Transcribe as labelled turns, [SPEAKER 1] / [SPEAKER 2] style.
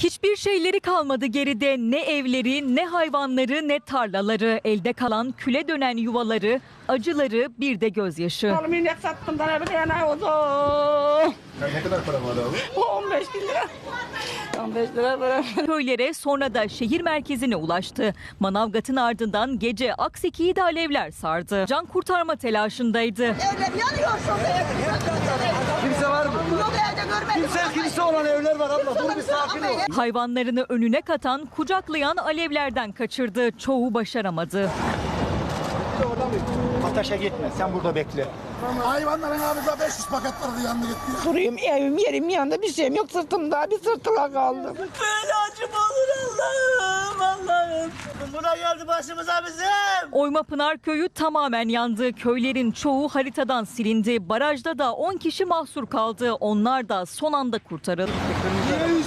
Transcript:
[SPEAKER 1] Hiçbir şeyleri kalmadı geride, ne evleri, ne hayvanları, ne tarlaları, elde kalan küle dönen yuvaları, acıları, bir de gözyaşı.
[SPEAKER 2] Oğlum inek sattım da bir tane oldu.
[SPEAKER 3] Ne kadar para var abi?
[SPEAKER 2] 15 bin lira. 15 lira para.
[SPEAKER 1] Köylere sonra da şehir merkezine ulaştı. Manavgat'ın ardından gece Akseki'yi de alevler sardı. Can kurtarma telaşındaydı.
[SPEAKER 4] Evler yanıyor şurada.
[SPEAKER 3] Kimse var mı?
[SPEAKER 4] Yok evde görmedim.
[SPEAKER 3] Kimse olan evler var abla. Dur bir sakin ol.
[SPEAKER 1] Hayvanlarını önüne katan, kucaklayan alevlerden kaçırdı. Çoğu başaramadı.
[SPEAKER 3] Ataş'a gitme. Sen burada bekle.
[SPEAKER 5] Hayvanların ağzına 500 paket vardı yandı gitti.
[SPEAKER 2] Durayım evim yerim yanında bir şeyim yok sırtımda bir sırtıla kaldım.
[SPEAKER 4] Böyle acım olur Allah'ım.
[SPEAKER 3] Buna geldi başımıza bizim.
[SPEAKER 1] Oymapınar köyü tamamen yandı. Köylerin çoğu haritadan silindi. Barajda da 10 kişi mahsur kaldı. Onlar da son anda kurtarıldı.